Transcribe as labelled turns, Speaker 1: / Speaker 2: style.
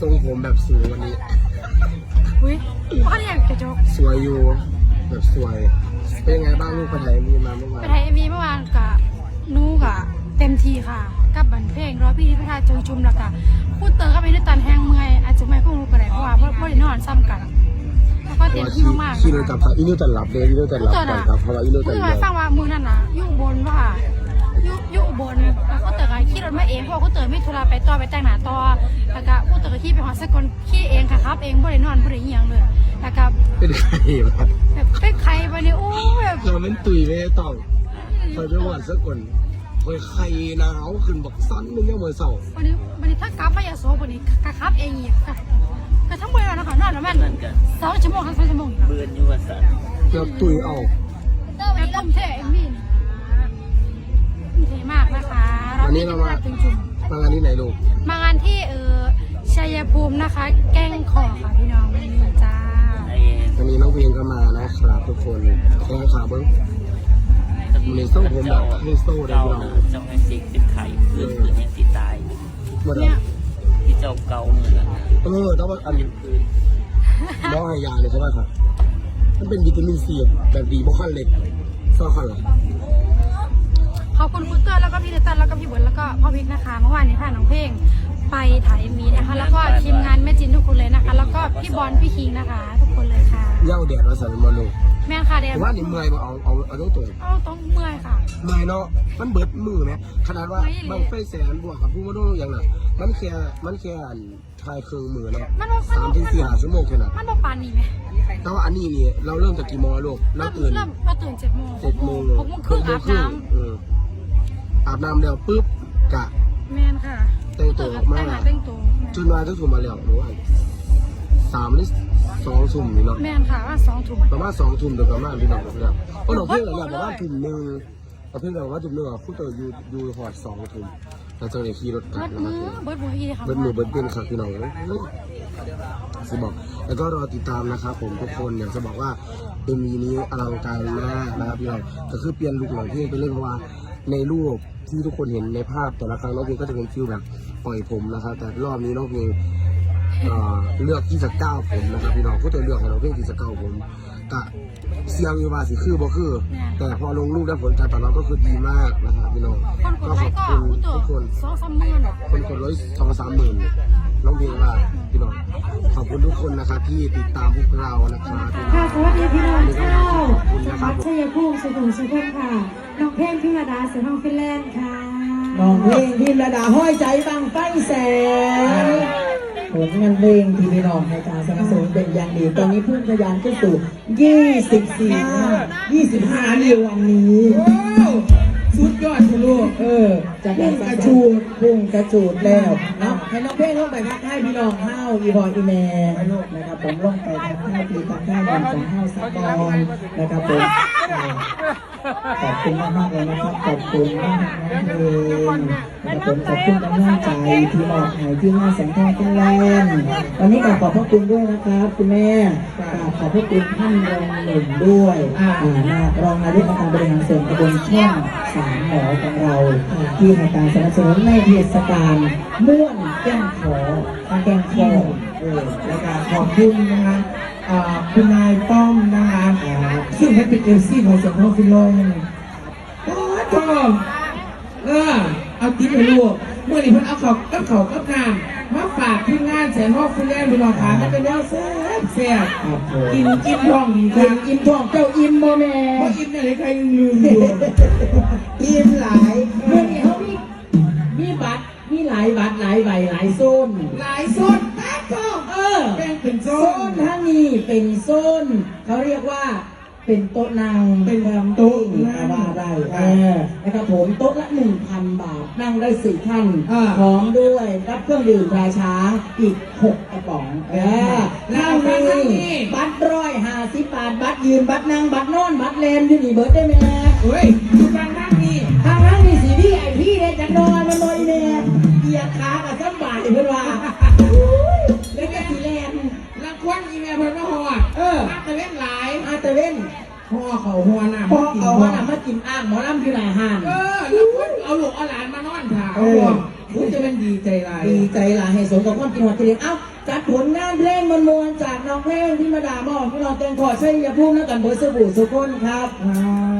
Speaker 1: ทรงผมแบบสวยวันนี้
Speaker 2: อุ้ยพ่อเรียกกระจก
Speaker 1: สวยอยู่แบบสวยเป็นยังไงบ้างลูกไปไหนมีมาเมื่อวาน
Speaker 2: ไปไทยมีเมื่อวานกับนูกับเต็มทีค่ะกับบันเพลงร้อยพี่ที่พิธาจงชุมแล้วก็พูดเตอก็ไปด้วยตันแห้งเมื่อยอาจจะไม่คงรู้กันไหนเพราะว่าพ่อได้นอนซ้ำกันแล้วก็เต็มที่มากๆ
Speaker 1: ขี่รถกับอีนิวตันหลับเลยอีนิวตันหลับก่อนครับเพราะว่าอีนิวตัน
Speaker 2: เลยฟังว่ามือนั่นน่ะยุ่งบนว่ายุ่งบนแล้วก็เตอขี่รถมาเองเพราะเขาเตอไม่ธุระไปต่อไปแต่งหน้าต่อแล้วก็พูดเตอขี่ไปหอสกลขี่เองค่ะครับเองบ่ได้นอนบ่ได้เหี่ยงเลยแล้วก็
Speaker 1: เป็นใครแบบ
Speaker 2: เป็นใครวะเนี่ยโอ้แบบ
Speaker 1: เราเป็นตุยไม่ต้องคอยไปหวานสักคนคอยใครหนาวขึ้นบอกสั้นนึงยังเหมือนเสา
Speaker 2: วันนี้ถ้ากลับมายาโสวันนี้กะครับเองอีกก็ทั้งเวลานะคะนอนแล้วแม่2 ชั่วโมงทั้ง2 ชั่วโมง
Speaker 3: เบื่ออยู่ว่าสัตว์
Speaker 1: เกือบตุยเอา
Speaker 2: แบบต้มเท่เอ็มบีเท่มากนะคะ
Speaker 1: วันนี้เรามางานที่ไหนลูก
Speaker 2: มางานที่ชัยภูมินะคะแก้งขอค่ะพี่น้องจ้า
Speaker 1: วันนี้น้องเพียงก็มานะครับทุกคนแข่งขาเบิ้งมันเลยโซ่ผมแบบให้โซ่ได้พี่น้อง
Speaker 3: เจ้าให้สิติดไข่เพื่อนให้ติดตาย
Speaker 2: เนี่ย
Speaker 3: ที่เจ้าเก่าเหมือน
Speaker 1: ต้องว่าอันน้องให้ยาเลยใช่ไหมครับมันเป็นวิตามินซีแบบดีบ่ขั้นเล็กซ่อขั้นหรอ
Speaker 2: ขอบคุณคุณเตอร์แล้วก็พี่เดตันแล้วก็พี่บุญแล้วก็พ่อพิกนะคะเมื่อวานนี้ค่ะน้องเพลงไปถ่ายมีนะคะแล้วก็ทีมงานแม่จินทุกคนเลยนะคะแล้วก็พี่บอลพี่คิงนะคะทุกคนเลยค่ะ
Speaker 1: เย้าแดดมาใส่มาลูก
Speaker 2: แม่ค่ะแดด
Speaker 1: ว่านี่เมื่อยมาเอาต้องตัว
Speaker 2: ต้องเมื่อยค่ะ
Speaker 1: เมื่อยเนาะมันเบิดมือไหมขนาดว่าบางไฟแสนบวกกับผู้มาดูอย่างน่ะมันแค่ทายเครื่องมือเนาะ3 ถึง 4 ชั่วโมงแค่นั้น
Speaker 2: มันบอกปานนี้ไหม
Speaker 1: แต่ว่าอันนี้นี่เราเริ่มจากกี่โมงลูกเราตื่น
Speaker 2: 7 โมง6 โมงครึ่งอาบน้ำ
Speaker 1: อาบน้ำแล้วปุ๊บกะ
Speaker 2: แม่นค่ะ
Speaker 1: แต่งตัวออกมาจนมาทุกทุ่มมาแล้วหรือว่า3 หรือ 2 ทุ่มนี่เนาะ
Speaker 2: แม่นค่ะว่า2 ทุ่ม
Speaker 1: ประมาณ2 ทุ่มเดี๋ยวประมาณพี่น้องครับก็หนูเพื่อนเราประมาณทุ่มนึงเราเพื่อนเราว่าทุ่มนึงอ่ะผู้ตัวอยู่หอด2 ทุ่มเราจะเลยขี่รถกลับ
Speaker 2: มาเบิร์ด
Speaker 1: เป็นค่ะพี่น้องสิบอกแล้วก็รอติดตามนะครับผมทุกคนอยากจะบอกว่ามีนี้อลังการมากนะครับพี่น้องก็คือเปลี่ยนลุคหลังที่ไปเล่นเพราะว่าในรูปที่ทุกคนเห็นในภาพแต่ละครั้งน้องเพลงก็จะเป็นฟิลแบบปล่อยผมนะครับแต่รอบนี้น้องเพลงเลือกที่จะก้าวผมนะครับพี่น้องผู้ตัวเลือกของน้องเพลงที่จะก้าวผมกะเสียงอยู่ว่าสิคือบ่คือแต่พอลงรูปได้ผลการตอบรับก็คือดีมากนะครับพี่น้องก็ขอบคุณทุกคนคนกด100-2-3 หมื่นน้องเพลงว่าพี่น้องขอบคุณทุกคนนะครับที่ติดตามพวกเรานะครับ
Speaker 4: ค่ะสวัสดีพี่น้องเจ้าวัดชัยภูมิสุขุมสุขค่ะน้องเพลงพิมระดาเสือทองฟินแลนด์ค่ะ
Speaker 5: น้องเพลงพิมระดาห้อยใจบังไฟแสนผลงานเพลงที่พี่น้องในการสนับสนุนเป็นอย่างดีตอนนี้พุ่งทะยานขึ้นสู่25 ในวันนี้สุดยอดคุณลูกจากการพุ่งกระจูดแล้วนะให้น้องเพลงลงไปทักทายพี่น้องห้าวอีบอยอีแม่ลูกนะครับผมลงไปทักทายพี่ทักทายบอลของห้าวสักบอลนะครับผมขอบคุณมากเลยนะครับขอบคุณมากเลยนะครับผมขอบคุณกำลังใจที่มอบให้ที่หน้าแสงทองฟินแลนด์วันนี้ขอบพระคุณด้วยนะครับคุณแม่ขอบพระคุณท่านรองหนึ่งด้วยรองนายกองค์การบริหารส่วนตำบลช่อง3 หมอของเราที่ให้การสนับสนุนในเทศกาลม่วนแก้งขอและการขอบคุณนะคะคุณนายป้อมนะคะซึ่งเป็นเอลซี่ของสมรภูมิโลกก็เอาติ๊บไปลูกเมื่อนี้เพิ่นเอากับน้ำมาฝากที่งานแสนฮอกฟินแลนด์ดูหน่อยค่ะมันเป็นแนวแซ่บกินท้องดีค่ะอิ่มท้องเจ้าอิ่มบ่แม่บ่อิ่มอะไรใครลืมอยู่อิ่มหลายเมื่อนี้เขามีบัตรมีหลายบัตรหลายใบหลายโซนแป๊บท้องแบ่งเป็นโซนทั้งนี้เป็นโซนเขาเรียกว่าเป็นโต๊ะนางเป็นโต๊ะว่าได้นะครับผมโต๊ะละ 1,000 บาทนั่งได้4 ท่านพร้อมด้วยรับเครื่องดื่มราช้างอีก6 กระป๋องนั่งมีบัตร150 บาทบัตรยืนบัตรนั่งบัตรนอนบัตรเลนอยู่นี่เบิร์ดได้ไหมเฮ้ยทางนั่งนี่สีพี่ไอพี่เนี่ยจะนอนมันนอนแม่เกียร์ขากับสบายเพื่อนว่าแล้วก็สีแลนลังควันอีเมลเพื่อนมาห่ออาตะเว้นหลายอาตะเว้นห่อเขาห่อหน้ามากินอ่างหมอลำที่ไหนห่านแล้วคนเอาลูกเอาหลานมานอนถ่าคุณจะเป็นดีใจลายให้สมกับความกินหัวเตียงเอ้าจัดผลงานเพลงมวลๆจากน้องเพลงที่มาด่ามอบพี่น้องเต็งขอใช้ยาพุ่มแล้วกันเบอร์สบู่สุกคนครับ